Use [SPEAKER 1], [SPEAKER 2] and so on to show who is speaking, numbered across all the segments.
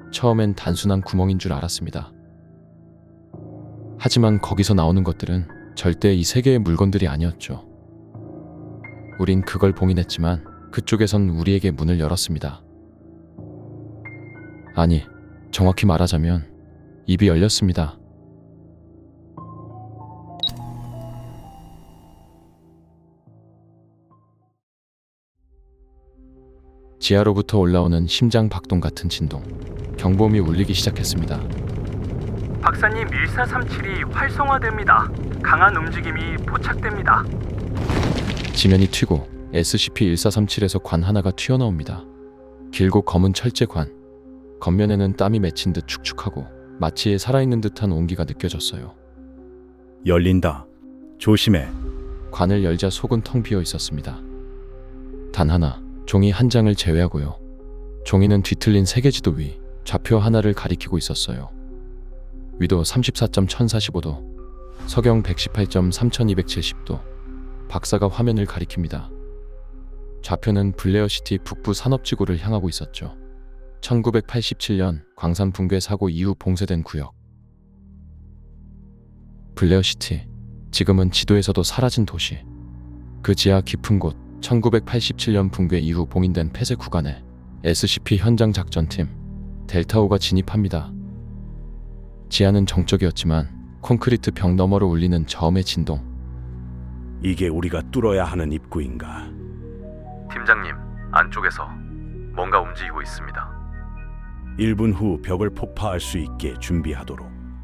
[SPEAKER 1] 처음엔 단순한 구멍인 줄 알았습니다. 하지만 거기서 나오는 것들은 절대 이 세계의 물건들이 아니었죠. 우린 그걸 봉인했지만 그쪽에선 우리에게 문을 열었습니다. 아니, 정확히 말하자면 입이 열렸습니다. 지하로부터 올라오는 심장 박동 같은 진동, 경보음이 울리기 시작했습니다.
[SPEAKER 2] 박사님, 1437이 활성화됩니다. 강한 움직임이 포착됩니다.
[SPEAKER 1] 지면이 튀고 SCP-1437에서 관 하나가 튀어나옵니다. 길고 검은 철제관, 겉면에는 땀이 맺힌 듯 축축하고 마치 살아있는 듯한 온기가 느껴졌어요.
[SPEAKER 3] 열린다. 조심해.
[SPEAKER 1] 관을 열자 속은 텅 비어 있었습니다. 단 하나, 종이 한 장을 제외하고요. 종이는 뒤틀린 세계지도 위 좌표 하나를 가리키고 있었어요. 위도 34.1045도, 서경 118.3270도. 박사가 화면을 가리킵니다. 좌표는 블레어시티 북부 산업지구를 향하고 있었죠. 1987년 광산 붕괴 사고 이후 봉쇄된 구역. 블레어시티, 지금은 지도에서도 사라진 도시. 그 지하 깊은 곳, 1987년 붕괴 이후 봉인된 폐쇄 구간에 SCP 현장 작전팀 델타5가 진입합니다. 지하는 정적이었지만 콘크리트 벽 너머로 울리는 저음의 진동.
[SPEAKER 3] 이게 우리가 뚫어야 하는 입구인가?
[SPEAKER 4] 팀장님, 안쪽에서 뭔가 움직이고 있습니다.
[SPEAKER 3] 1분 후 벽을 폭파할 수 있게 준비하도록.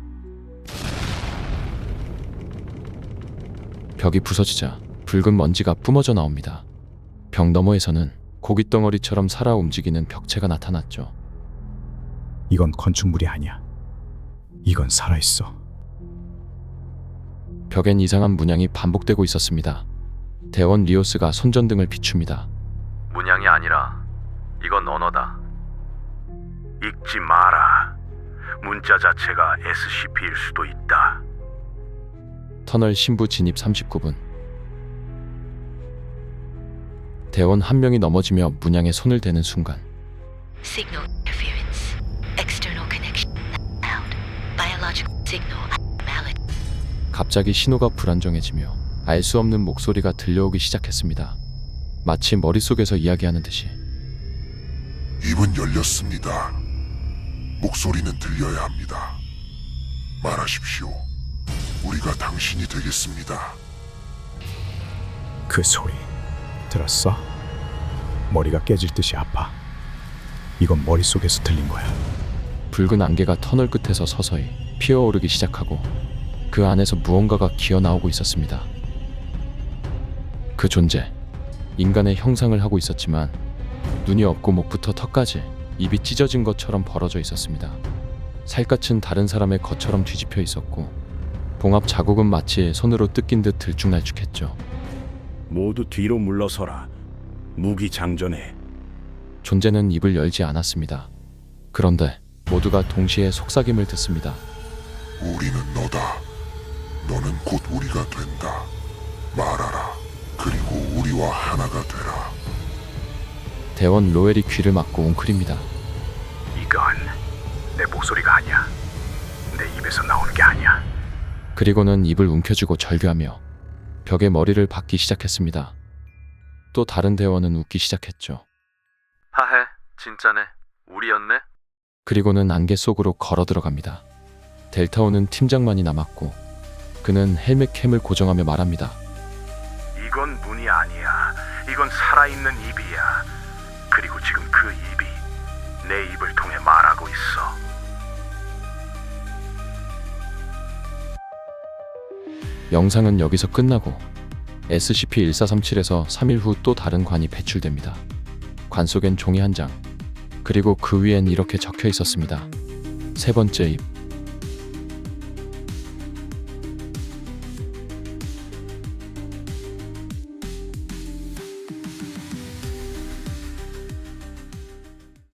[SPEAKER 1] 벽이 부서지자 붉은 먼지가 뿜어져 나옵니다. 벽 너머에서는 고깃덩어리처럼 살아 움직이는 벽체가 나타났죠.
[SPEAKER 5] 이건 건축물이 아니야. 이건 살아있어.
[SPEAKER 1] 벽엔 이상한 문양이 반복되고 있었습니다. 대원 리오스가 손전등을 비춥니다.
[SPEAKER 4] 문양이 아니라 이건 언어다.
[SPEAKER 3] 읽지 마라. 문자 자체가 SCP일 수도 있다.
[SPEAKER 1] 터널 신부 진입 39분. 대원 한 명이 넘어지며 문양에 손을 대는 순간
[SPEAKER 6] Signal interference. External connection found. Biological signal abnormality.
[SPEAKER 1] 갑자기 신호가 불안정해지며 알 수 없는 목소리가 들려오기 시작했습니다. 마치 머릿속에서 이야기하는 듯이.
[SPEAKER 7] 입은 열렸습니다. 목소리는 들려야 합니다. 말하십시오. 우리가 당신이 되겠습니다.
[SPEAKER 5] 그 소리 들었어? 머리가 깨질 듯이 아파. 이건 머릿속에서 들린 거야.
[SPEAKER 1] 붉은 안개가 터널 끝에서 서서히 피어오르기 시작하고 그 안에서 무언가가 기어나오고 있었습니다. 그 존재, 인간의 형상을 하고 있었지만 눈이 없고 목부터 턱까지 입이 찢어진 것처럼 벌어져 있었습니다. 살갗은 다른 사람의 것처럼 뒤집혀 있었고 봉합 자국은 마치 손으로 뜯긴 듯 들쭉날쭉했죠.
[SPEAKER 3] 모두 뒤로 물러서라. 무기 장전해.
[SPEAKER 1] 존재는 입을 열지 않았습니다. 그런데 모두가 동시에 속삭임을 듣습니다.
[SPEAKER 7] 우리는 너다. 너는 곧 우리가 된다. 말하라. 그리고 우리와 하나가 되라.
[SPEAKER 1] 대원 로엘이 귀를 막고 웅크립니다.
[SPEAKER 3] 이건 내 목소리가 아니야. 내 입에서 나오는 게 아니야.
[SPEAKER 1] 그리고는 입을 움켜쥐고 절규하며 벽에 머리를 박기 시작했습니다. 또 다른 대원은 웃기 시작했죠.
[SPEAKER 4] 하해, 진짜네. 우리였네.
[SPEAKER 1] 그리고는 안개 속으로 걸어 들어갑니다. 델타5는 팀장만이 남았고 그는 헬멧 캠을 고정하며 말합니다.
[SPEAKER 3] 이건 문이 아니야. 이건 살아있는 입이야. 그리고 지금 그 입이 내 입을 통해 말하고 있어.
[SPEAKER 1] 영상은 여기서 끝나고 SCP-1437에서 3일 후 또 다른 관이 배출됩니다. 관 속엔 종이 한 장, 그리고 그 위엔 이렇게 적혀 있었습니다. 세 번째 입.